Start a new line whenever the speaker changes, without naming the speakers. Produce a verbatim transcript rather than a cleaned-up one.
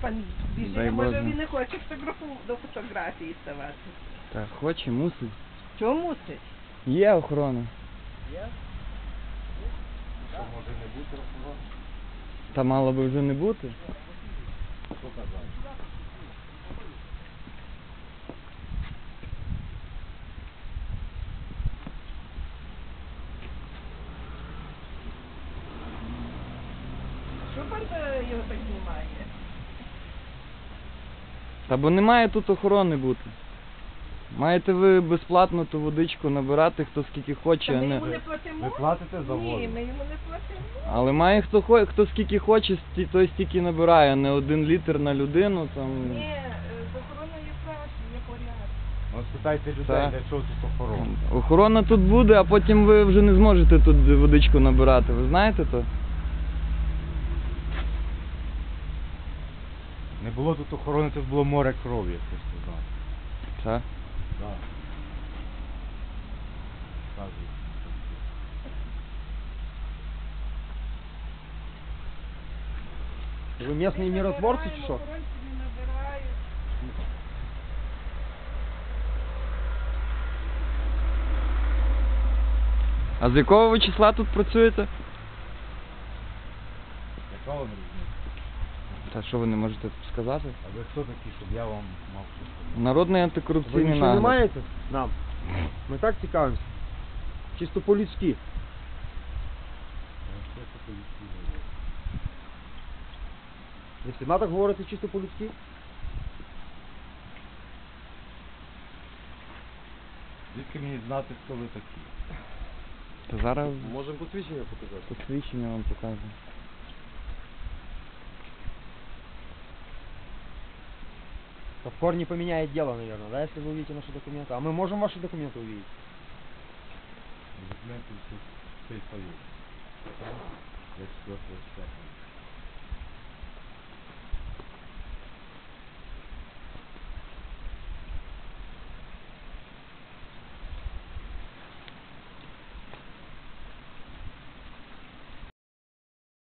пан біжить,
Дай
може
Боже.
він не хоче фотографу... до фотографії ставати.
Так, хоче, мусить.
Чого мусить?
Є охорона.
Я?
Що може не бути охорони?
Та мало би вже не бути.
Що казати?
Що пан е, його так знімає?
Та бо не має тут охорони бути. Маєте ви безплатно ту водичку набирати, хто скільки хоче,
Та
а
ми
не...
йому не платимо?
Ви платите за воду?
Ні, ми йому не платимо.
Але має хто хо... хто скільки хоче, сті- той стільки набирає, не один літр на людину там.
Ні, е, з охороною краще, є порядок.
Ну, спитайте людей,
Так.
для чого тут охорона.
Охорона тут буде, а потім ви вже не зможете тут водичку набирати. Ви знаєте то?
Не було тут охорони, це було море крові, як ти сказав.
Так.
Так. Кажуть.
Вы местные миротворцы, чи що?
Охоронці не набирають.
А з якого ви числа тут працюєте?
Яка вам різниця?
Та що ви не можете сказати?
А ви хто такі, щоб я вам мав щось сказати?
Народний
Ви
антикорупційний
нічого не
нагляд.
маєте? Нам. Ми так цікавимося. Чисто по-людськи.
Я що це поліція?
Ви всіма так говорите чисто по-людськи?
Звідки мені знати, хто ви такі?
Та зараз
Можемо посвідчення показати.
посвідчення вам покажу.
Это в корне поменяет дело, наверное, да, если вы увидите наши документы. А мы можем ваши документы увидеть?
Документи всі цей союз. Я четвертого числа.